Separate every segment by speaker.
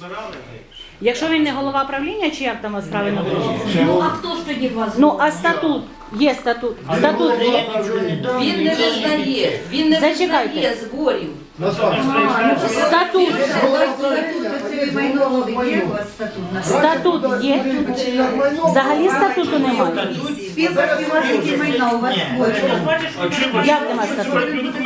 Speaker 1: Якщо він не голова правління, чи як там вас правильно було?
Speaker 2: Ну, а хто ж тоді вас?
Speaker 1: Ну, а статут? Є статут. Статут є.
Speaker 3: Він не визнає, він не
Speaker 1: Зачекайте.
Speaker 3: визнає зборів.
Speaker 1: Статут. Статут є. Взагалі статуту немає.
Speaker 4: Спілка співвласників майна у вас створена.
Speaker 1: Як немає статуту?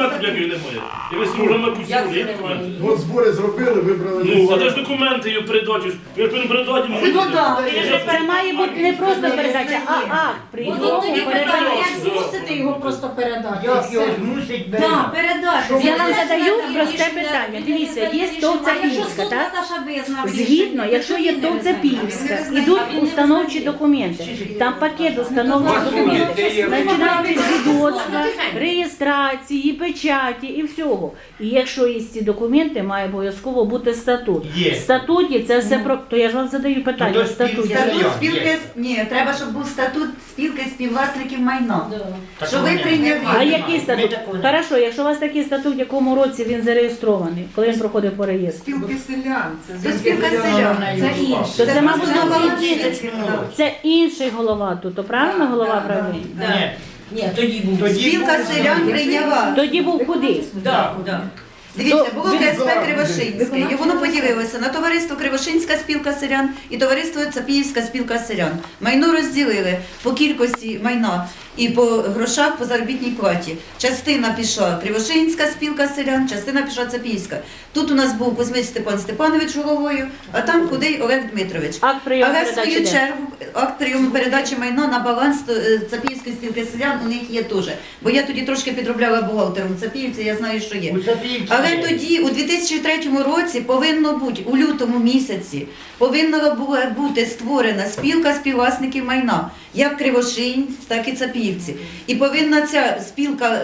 Speaker 3: Як це немає?
Speaker 5: От збори зробили, вибрали.
Speaker 6: Ну, а де ж документи її передачу? Ви передачу
Speaker 1: Ну так, це має бути не просто передача, а акт прийому передачі.
Speaker 2: Як змусити його просто передати?
Speaker 7: Як його змусить
Speaker 2: Так, передати.
Speaker 1: Я вам задаю просте питання. Дивіться, є Товцапільська, так? Згідно, якщо є Товцапільська, ідуть установчі документи. Там пакет установчих документів. Починають від свідоцтва, реєстрації, печаті і всього. І якщо є ці документи, має обов'язково бути статут.
Speaker 7: Є.
Speaker 1: В статуті це все про... То я ж вам задаю питання. В статуті.
Speaker 4: Статут спілки, ні, треба, щоб був статут спілки співвласників майна. Що ви прийняли.
Speaker 1: А який статут? Хорошо, якщо у вас такий статут, в якому році він зареєстрований, коли він проходив по реєстру?
Speaker 4: Спілки селян. Це спілка селян. Це інше.
Speaker 1: То це, мабуть,
Speaker 4: голова.
Speaker 1: це інший голова тут, то правильно голова правління?
Speaker 3: Ні, тоді був.
Speaker 4: Спілка селян прийняла.
Speaker 1: Тоді був куди?
Speaker 3: Так, так.
Speaker 4: Дивіться, було КСП Кривошинське, і воно поділилося на товариство Кривошинська спілка селян і товариство Цапіївська спілка селян. Майно розділили по кількості майна і по грошах по заробітній платі. Частина пішла Кривошинська спілка селян, частина пішла Цапіївська. Тут у нас був Кузьмич Степан Степанович головою, а там Худий Олег Дмитрович.
Speaker 1: Акт прийому
Speaker 4: Але в
Speaker 1: передачі
Speaker 4: свою
Speaker 1: де?
Speaker 4: чергу акт прийому передачі майна на баланс Цапіївської спілки селян у них є теж. Бо я тоді трошки підробляла бухгалтером Цапіївці, я знаю, що є. Але тоді, у 2003 році, повинно бути, у лютому місяці, повинна була бути створена спілка співвласників майна, як Кривошинськ, так і Цапіївці. І повинна ця спілка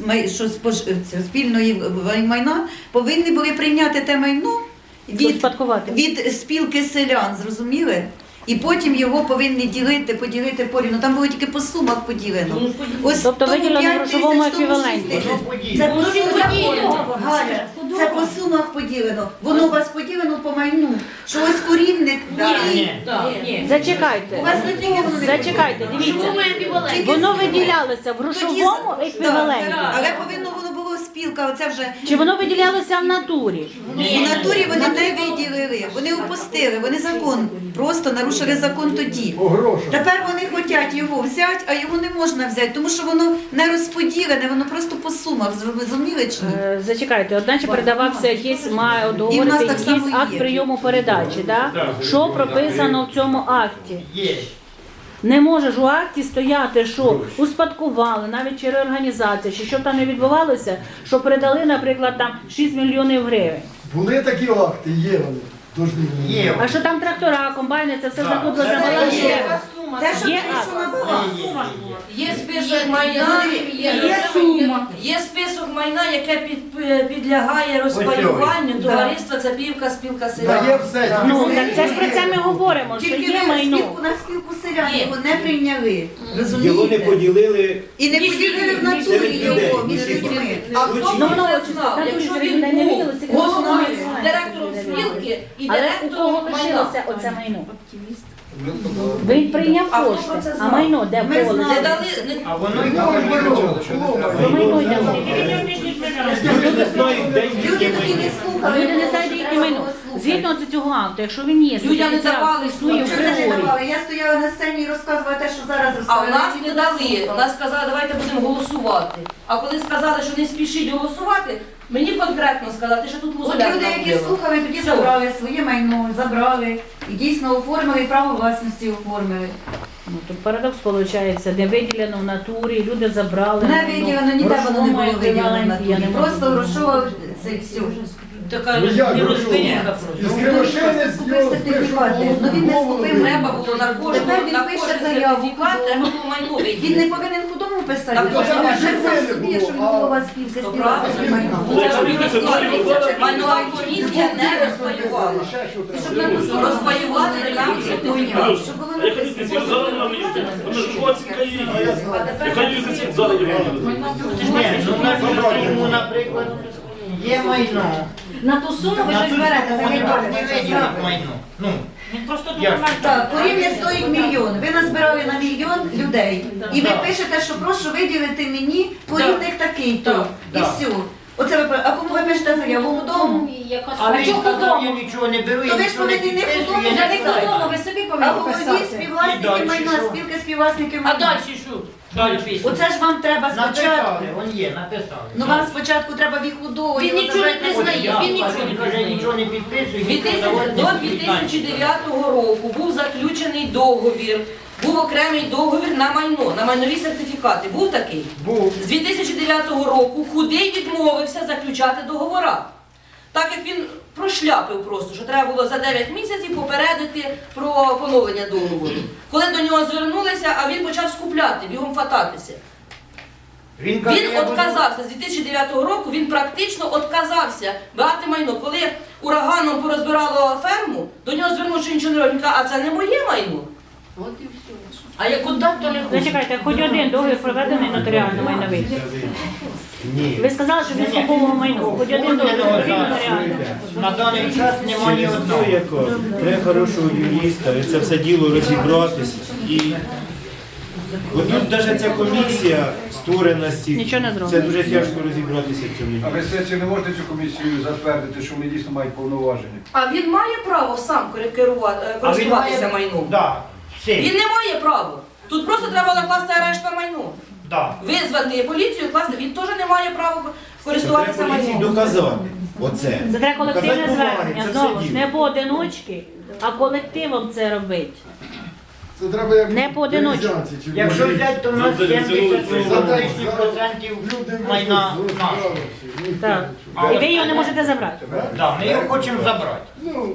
Speaker 4: спільної майна, повинні були прийняти те майно від спілки селян, зрозуміли? І потім його повинні поділити порівну. Там було тільки по сумах поділено. Ось
Speaker 1: Тобто
Speaker 4: тому
Speaker 1: виділено
Speaker 4: 5
Speaker 1: в грошовому
Speaker 4: тисяч, тому 6
Speaker 1: еквіваленті.
Speaker 4: тисяч. Це по сумах, Галя, це по сумах поділено. Воно у вас поділено по майну. Що ось корівник,
Speaker 3: Ні.
Speaker 1: Зачекайте.
Speaker 4: у вас нікого не
Speaker 1: Зачекайте, дивіться. Воно виділялося в грошовому еквіваленті.
Speaker 4: Але повинно воно було спілка, оце вже.
Speaker 1: Чи воно виділялося в натурі?
Speaker 4: У натурі вони не виділили, вони упустили, вони закон, просто нарушили закон тоді. Тепер вони хочуть його взяти, а його не можна взяти, тому що воно не розподілене, воно просто по сумах, зрозуміли чи ні?
Speaker 1: Зачекайте, одначе передавався якийсь, має
Speaker 4: І в нас
Speaker 1: договорити
Speaker 4: так само
Speaker 1: якийсь акт
Speaker 4: є.
Speaker 1: прийому передачі, так? Що прописано в цьому акті?
Speaker 7: Є.
Speaker 1: Не може ж у акті стояти, що успадкували, навіть чи реорганізація, чи що там не відбувалося, що передали, наприклад, там 6 мільйонів гривень.
Speaker 5: Були такі акти, є вони.
Speaker 7: Є.
Speaker 1: А що там трактора, комбайни, це все знаходилося на балансі?
Speaker 4: Те, що
Speaker 1: Є
Speaker 4: прийшло на
Speaker 1: акт.
Speaker 4: баланс.
Speaker 3: Є список майна, є список майна, яке підлягає розпаюванню товариства Цапіївка спілка селян.
Speaker 5: Дає все.
Speaker 1: Ну, так це ж про це ми говоримо, що
Speaker 4: Тільки
Speaker 1: є
Speaker 4: ви
Speaker 1: майно.
Speaker 4: на спілку селян
Speaker 3: Є.
Speaker 4: його не прийняли,
Speaker 8: Його не
Speaker 4: розумієте?
Speaker 8: поділили.
Speaker 4: І не поділили в натурі
Speaker 8: Серед людей.
Speaker 4: його між людьми.
Speaker 3: А хто
Speaker 1: Ну,
Speaker 3: б
Speaker 1: ну,
Speaker 3: це знав,
Speaker 1: так,
Speaker 3: якщо
Speaker 1: так,
Speaker 3: він
Speaker 1: так, не
Speaker 3: був
Speaker 1: виділося, тільки
Speaker 3: головою,
Speaker 1: основне.
Speaker 3: директором спілки і
Speaker 1: Але у кого
Speaker 3: директором майна?
Speaker 1: лишилося оце майно? Він прийняв
Speaker 3: А хто
Speaker 1: кошти,
Speaker 3: про це
Speaker 1: а
Speaker 3: знав?
Speaker 1: майно де
Speaker 4: Ми
Speaker 1: було?
Speaker 4: знали.
Speaker 3: Не дали,
Speaker 7: А воно й
Speaker 1: Про майно йде мова.
Speaker 8: Люди не знають, де
Speaker 4: Люди
Speaker 8: їхнє
Speaker 4: тоді не
Speaker 8: майно.
Speaker 4: слухали.
Speaker 1: Люди не знають, яке майно. Згідно цього акту, якщо він є,
Speaker 3: Людям не давали
Speaker 1: свою
Speaker 4: Що це не
Speaker 1: категорію.
Speaker 4: давали? Я стояла на сцені і розказувала те, що зараз
Speaker 3: а в
Speaker 4: розказують.
Speaker 3: нас не дали. Нас сказали, давайте будемо голосувати. А коли сказали, що не спішіть голосувати, мені конкретно сказали, що тут
Speaker 4: От
Speaker 3: музеляк
Speaker 4: люди, які
Speaker 3: робила.
Speaker 4: слухали, тоді
Speaker 3: Все.
Speaker 4: забрали своє майно, забрали і дійсно оформили, і право власності оформили.
Speaker 1: Ну, тут парадокс виходить, не виділено в натурі, люди забрали.
Speaker 4: Не виділено, ніде воно не було виділено на
Speaker 1: Я не
Speaker 4: турі.
Speaker 1: можу
Speaker 4: Просто грошова це і все.
Speaker 3: Така
Speaker 5: Ну, як
Speaker 3: не
Speaker 5: грошова?
Speaker 3: розберіха
Speaker 5: Із
Speaker 3: просто.
Speaker 5: Кривошини
Speaker 4: Купив сертифікати. Ну він не скупив,
Speaker 3: Треба було на кожен
Speaker 4: Тепер він пише заяву.
Speaker 3: сертифікат, треба було майно
Speaker 4: Він не
Speaker 3: виділити.
Speaker 4: повинен худому писати,
Speaker 3: Так,
Speaker 4: бо
Speaker 3: то це
Speaker 4: він
Speaker 5: не
Speaker 4: вже сам
Speaker 5: повинен
Speaker 4: собі,
Speaker 5: було,
Speaker 4: що він
Speaker 5: а-
Speaker 4: голова спілки
Speaker 3: То
Speaker 4: співвласників
Speaker 3: правильно.
Speaker 4: майна.
Speaker 3: Це ж він розпаювався. Майнова комісія не розпаювала. Розпаювати нам це хуйня.
Speaker 4: Щоб воно
Speaker 6: А я хочу
Speaker 4: написано.
Speaker 6: ці зараз на мені. Вона ж оцінка її. Яка її за зараз є.
Speaker 7: Ні, ну на йому, наприклад, є майно.
Speaker 2: На ту суму ви
Speaker 7: На
Speaker 2: щось
Speaker 7: ту
Speaker 2: берете.
Speaker 7: суму вони
Speaker 2: заробляєте.
Speaker 7: так не виділять майно. Ну,
Speaker 3: Він просто
Speaker 7: Я-
Speaker 3: документ.
Speaker 4: Так, коріння стоїть мільйон. Ви назбирали на мільйон людей. І ви пишете, що прошу виділити мені порівник такий-то. І
Speaker 7: Да.
Speaker 4: все. Оце ви, а кому ви пишете заяву? Худому?
Speaker 7: а він
Speaker 2: чого
Speaker 7: сказав, я
Speaker 2: додому?
Speaker 7: нічого не беру,
Speaker 4: То
Speaker 7: я
Speaker 4: ви ж
Speaker 7: нічого не
Speaker 4: повинні не
Speaker 7: підписую,
Speaker 4: худому,
Speaker 7: я
Speaker 2: Вже
Speaker 7: не
Speaker 2: не
Speaker 7: знаю.
Speaker 2: додому, ви собі
Speaker 4: А
Speaker 2: повинні
Speaker 4: голові
Speaker 2: писати.
Speaker 7: І
Speaker 4: співвласники
Speaker 7: далі
Speaker 4: майна,
Speaker 7: що?
Speaker 4: спілки співвласників
Speaker 3: А
Speaker 4: майна.
Speaker 3: далі що? Далі пісня.
Speaker 4: Оце ж вам треба спочатку.
Speaker 7: Написали, он є, написали.
Speaker 4: Ну вам спочатку треба в їх худову.
Speaker 3: Він нічого не признає, він нічого не
Speaker 7: Він
Speaker 3: признає.
Speaker 7: нічого не підписує.
Speaker 3: До 2009 року був заключений договір, був окремий договір на майно, на майнові сертифікати. Був такий?
Speaker 7: Був.
Speaker 3: З 2009 року Худий відмовився заключати договора. Так як він прошляпив просто, що треба було за 9 місяців попередити про поновлення договору. Коли до нього звернулися, а він почав скупляти, бігом фататися.
Speaker 7: Він каже,
Speaker 3: Він
Speaker 7: я буду-
Speaker 3: відказався з 2009 року, він практично відказався брати майно. Коли ураганом порозбирало ферму, до нього звернувся, що нічого не робить. Він каже, а це не моє майно. А як куди то не хоче.
Speaker 1: Зачекайте, хоч один договір проведений нотаріально майновий.
Speaker 8: Ні.
Speaker 1: Ви сказали, що він скуповував майно. Хоч один договір проведений нотаріально.
Speaker 7: На даний час немає ні
Speaker 8: Через
Speaker 7: одного.
Speaker 8: те, яко треба хорошого юриста, і це все діло розібратися. І от тут навіть ця комісія створеності,
Speaker 1: Нічого не зробить.
Speaker 8: це дуже тяжко розібратися в цьому.
Speaker 5: А ви сесії не можете цю комісію затвердити, що вони дійсно мають повноваження?
Speaker 3: А він має право сам користуватися майном.
Speaker 7: Да, все.
Speaker 3: Він не має права. Тут просто треба накласти арешт на майно.
Speaker 7: Да.
Speaker 3: Визвати поліцію, класти. Він теж не має права користуватися
Speaker 8: Треба поліції
Speaker 3: майном.
Speaker 8: доказати. Оце.
Speaker 1: Це треба колективне
Speaker 8: Доказати бумаги,
Speaker 1: звернення.
Speaker 8: це все
Speaker 1: Знову ж
Speaker 8: діло.
Speaker 1: не поодиночки, а колективом це робити.
Speaker 5: Це треба як
Speaker 1: Не поодиночку.
Speaker 5: березянці чи
Speaker 7: Якщо
Speaker 5: в
Speaker 7: взяти, то в нас 70% майна наше.
Speaker 1: Так. І ви його не можете забрати.
Speaker 7: Да, ми його хочемо забрати.
Speaker 5: Ну,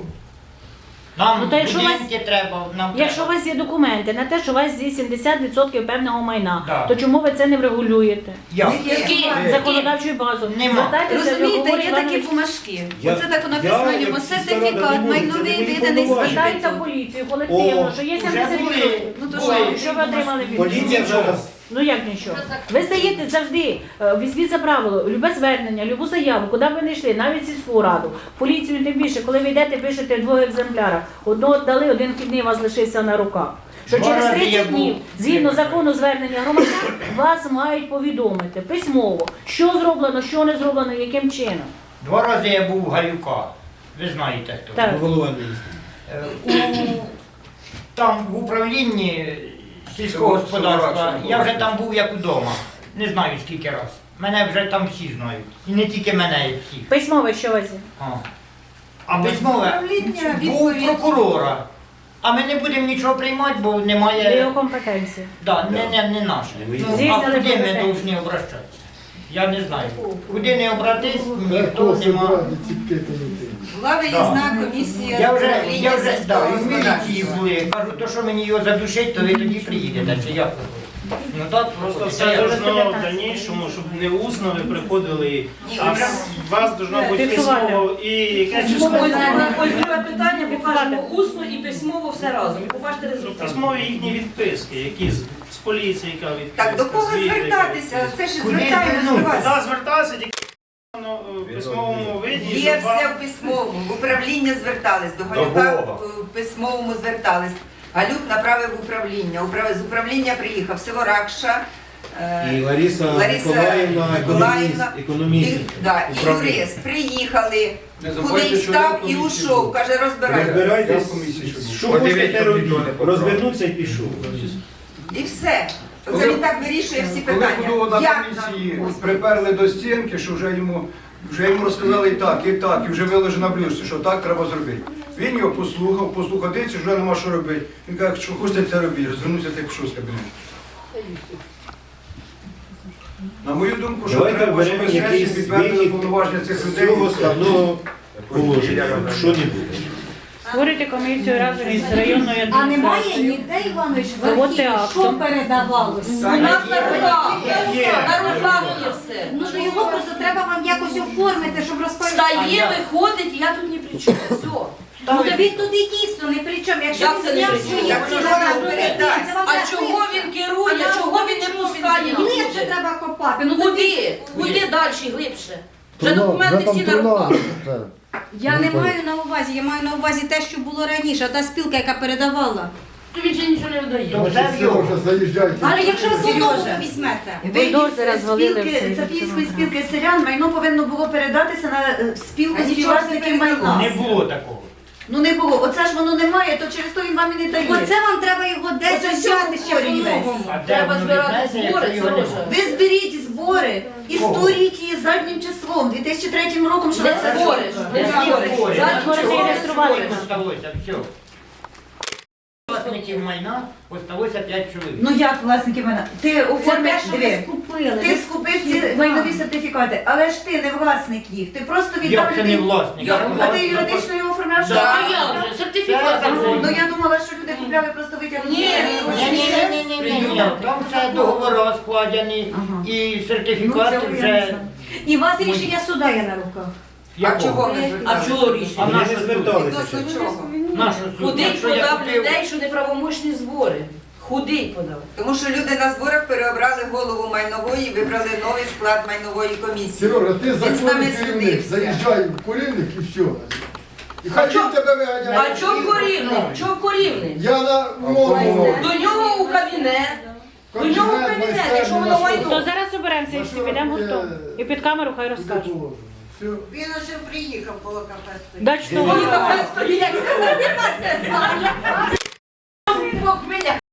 Speaker 7: Нам
Speaker 1: Ну, то якщо
Speaker 7: будинки треба, нам
Speaker 1: Якщо у
Speaker 7: треба.
Speaker 1: вас є документи на те, що у вас є 70% певного майна,
Speaker 7: Да.
Speaker 1: то чому ви це не врегулюєте?
Speaker 7: Як?
Speaker 1: Законодавчою базою.
Speaker 7: Нема.
Speaker 1: Звертайтеся до
Speaker 4: Розумієте,
Speaker 1: Григорія
Speaker 4: є такі
Speaker 1: Івановича.
Speaker 4: бумажки.
Speaker 8: Я-
Speaker 4: Оце так
Speaker 8: я,
Speaker 4: написано
Speaker 8: як
Speaker 4: йому
Speaker 8: сільська рада, не
Speaker 4: сертифікат,
Speaker 8: можу, це
Speaker 4: майновий
Speaker 8: не мої
Speaker 4: виданий
Speaker 8: повноваження.
Speaker 1: Звертайтеся в
Speaker 4: звідти.
Speaker 1: поліцію колективно,
Speaker 8: О,
Speaker 1: що є
Speaker 7: Вже
Speaker 1: 70%.
Speaker 7: були.
Speaker 4: Ну то
Speaker 7: Були.
Speaker 4: що?
Speaker 1: Що ви отримали від
Speaker 8: Поліція зараз.
Speaker 1: Ну як нічого? Ви здаєте завжди, візьміть за правило, любе звернення, любу заяву, куди б ви не йшли, навіть сільську раду, поліцію тим більше, коли ви йдете, пишете в 2 екземплярах, одного дали, один вхідний у вас лишився на руках. Що
Speaker 7: Два
Speaker 1: через
Speaker 7: рази я
Speaker 1: 30
Speaker 7: був.
Speaker 1: днів, згідно закону звернення громадян, вас мають повідомити письмово, що зроблено, що не зроблено, яким чином.
Speaker 7: 2 рази я був у Галюка. Ви знаєте хто.
Speaker 1: Так.
Speaker 8: Голова міністра.
Speaker 7: Там в управлінні сільського господарства, я вже там був як вдома. Не знаю скільки раз. Мене вже там всі знають. І не тільки мене, і всіх.
Speaker 1: Письмове що у вас є?
Speaker 7: А письмове
Speaker 4: Управління,
Speaker 7: був
Speaker 4: відповідь.
Speaker 7: прокурора. А ми не будемо нічого приймати, бо
Speaker 1: Це його
Speaker 7: немає.
Speaker 1: компетенція.
Speaker 7: Да, не наше.
Speaker 8: Не
Speaker 7: Ну,
Speaker 1: З'їздили
Speaker 7: а куди ми
Speaker 1: компетенції.
Speaker 7: повинні обращатися? Я не знаю. Куди не обратись, ніхто
Speaker 5: хто
Speaker 7: нема.
Speaker 5: собирати ціпки тинити?
Speaker 4: Була виїзна комісія
Speaker 7: Я
Speaker 4: з
Speaker 7: вже,
Speaker 4: управління
Speaker 7: да,
Speaker 4: сільського
Speaker 7: і в міліції
Speaker 4: господарства.
Speaker 7: були. Кажу, то що мені його задушить, то ви тоді приїдете, чи як? Ну так,
Speaker 6: Просто
Speaker 7: це
Speaker 6: все
Speaker 7: я вже
Speaker 6: должно в дальнішому, щоб не усно ви приходили, а у вас должно бути
Speaker 1: Фіксувати.
Speaker 6: письмово і якесь число.
Speaker 3: Ось друге питання, покажемо усно і письмово все разом. І побачите результат.
Speaker 6: Письмові їхні відписки, які з поліції, яка відписка.
Speaker 9: Так, до кого
Speaker 6: звіти,
Speaker 9: звертатися? Це ж
Speaker 7: Куди
Speaker 9: звертаємось до
Speaker 7: звернутися?
Speaker 9: вас.
Speaker 6: Куди звертатися, тільки в письмовому виді,
Speaker 9: Є
Speaker 6: щоб
Speaker 9: все
Speaker 6: вам...
Speaker 9: в письмовому. В управління звертались, до Галюка в письмовому звертались. Галюк направив в управління. З управління приїхав Севоракша,
Speaker 8: І Лариса Миколаївна, економіст.
Speaker 9: Да, і
Speaker 8: управління.
Speaker 9: юрист. Приїхали,
Speaker 5: Не
Speaker 9: кудись
Speaker 5: забудьте, що
Speaker 9: став
Speaker 5: я
Speaker 9: і
Speaker 5: в комісії
Speaker 9: ушов.
Speaker 5: був.
Speaker 9: Каже, розбирайтеся.
Speaker 8: Розбирайтесь, що хочете робити.
Speaker 5: поправив.
Speaker 8: Розвернувся і пішов.
Speaker 9: І все.
Speaker 5: Коли-
Speaker 9: Оце він так вирішує всі
Speaker 5: Коли
Speaker 9: питання.
Speaker 5: худого на
Speaker 9: Як
Speaker 5: комісії
Speaker 9: нам?
Speaker 5: приперли до стінки, що вже йому розказали і так, і вже виложено на блюдці, що так треба зробити. Він його послухав, дивиться, що вже нема що робити. Він каже, що хочете це робити, звернувся так пішов з кабінету. На мою думку, що
Speaker 8: Давайте
Speaker 5: треба, щоб
Speaker 8: беремо
Speaker 5: сесії
Speaker 8: якийсь
Speaker 5: підтвердили
Speaker 8: вихід
Speaker 5: повноваження цих людей.
Speaker 8: цього складного положення. Що не буде?
Speaker 1: Створюйте комісію разом із районною
Speaker 2: А немає
Speaker 1: адміністрацією.
Speaker 2: ніде, Іванович, в
Speaker 1: Заводьте
Speaker 2: архіві, що
Speaker 1: актом.
Speaker 2: передавалося?
Speaker 3: У нас на руках, на руках є все.
Speaker 2: Ну то його просто треба вам якось оформити, щоб розповідати.
Speaker 3: Встає, виходить, і я тут ні при чому. Все.
Speaker 2: Ну то він туди дійсно не при чому. Якщо
Speaker 3: Як
Speaker 2: він
Speaker 3: це не
Speaker 2: зняв
Speaker 3: при чому?
Speaker 2: свої
Speaker 9: Так
Speaker 2: ці
Speaker 9: це вона
Speaker 2: документи,
Speaker 9: передасть.
Speaker 2: це вам
Speaker 3: А
Speaker 2: треба
Speaker 3: чого він керує, чого він не пускає?
Speaker 2: Ні, це треба копати. Ну тоді
Speaker 3: Куди? Куди далі, глибше? Вже документи всі на руках.
Speaker 2: Я не маю на увазі, я маю на увазі те, що було раніше, та спілка, яка передавала.
Speaker 3: То він ще нічого не видає.
Speaker 7: То все в його.
Speaker 2: Але якщо ви
Speaker 4: Сережа.
Speaker 2: знову візьмете.
Speaker 1: Бульдозера звалили
Speaker 4: Спілки,
Speaker 1: все.
Speaker 4: Цапівської спілки селян майно повинно було передатися на спілку
Speaker 9: А нічого
Speaker 4: співвласників
Speaker 9: не
Speaker 4: майна.
Speaker 7: Не було такого.
Speaker 4: Ну не було. Оце ж воно немає, то через то він вам і не дає.
Speaker 2: Оце вам треба його десь
Speaker 4: Оце
Speaker 2: взяти
Speaker 4: всього
Speaker 2: ще
Speaker 4: хворі
Speaker 2: по-новому.
Speaker 7: А де
Speaker 3: Треба
Speaker 7: воно
Speaker 3: збирати
Speaker 7: віднесе,
Speaker 3: збори,
Speaker 7: якщо його
Speaker 3: Сережа.
Speaker 7: немає?
Speaker 4: Ви зберіть збори і
Speaker 7: Кого?
Speaker 4: створіть її заднім числом, 2003 роком, що
Speaker 3: Не
Speaker 4: це
Speaker 3: збори.
Speaker 7: Не
Speaker 3: Збори.
Speaker 7: збори.
Speaker 3: Зараз
Speaker 1: збори
Speaker 3: чого?
Speaker 1: зареєстрували.
Speaker 7: Збори осталося, все. Власників майна осталося 5 чоловік.
Speaker 4: Ну як власники майна? Ти
Speaker 2: Це
Speaker 4: оформиш,
Speaker 2: те, що ви
Speaker 4: диви.
Speaker 2: скупили.
Speaker 4: Ти скупив ці майнові сертифікати, але ж ти не власник їх. Ти просто віддав
Speaker 7: Як це не
Speaker 4: людей.
Speaker 7: власник?
Speaker 4: А ти юридично його оформляв?
Speaker 7: Да.
Speaker 3: А як же? Сертифікат.
Speaker 4: Ну я думала, що люди купляли просто витягнути.
Speaker 3: Ні,
Speaker 7: Ні, там все договори складені
Speaker 4: Ага.
Speaker 7: і
Speaker 4: Ну,
Speaker 7: сертифікати
Speaker 4: це я не
Speaker 7: вже.
Speaker 4: знаю.
Speaker 2: І у вас рішення суда є на руках.
Speaker 9: А чого ви
Speaker 3: А
Speaker 9: зверталися?
Speaker 3: чого
Speaker 7: А
Speaker 3: рішення?
Speaker 8: Вони
Speaker 7: наш
Speaker 8: не
Speaker 7: суд?
Speaker 8: зверталися.
Speaker 9: Відносно чого?
Speaker 7: Наш суд.
Speaker 3: Худий
Speaker 7: Якщо я
Speaker 3: подав
Speaker 7: купив-
Speaker 3: людей, що неправомочні збори. Худий подав.
Speaker 9: Тому що люди на зборах переобрали голову майнової, вибрали новий склад майнової комісії.
Speaker 10: Сережа, ти
Speaker 9: Він з нами
Speaker 10: законний керівник,
Speaker 9: судився.
Speaker 10: заїжджай в курильник і все. І хай
Speaker 3: чо-
Speaker 10: він тебе виганяє.
Speaker 3: А чого корівник? Чого корівник?
Speaker 10: Я на мову.
Speaker 3: До нього у кабінет. До нього в кабінет, якщо воно
Speaker 1: То
Speaker 3: майно.
Speaker 1: зараз оберемося і всі підемо гуртом. І під камеру хай розкаже.
Speaker 10: Все.
Speaker 9: Він уже приїхав, було кафе.
Speaker 1: Дать що?
Speaker 3: Мені кафе стоїть.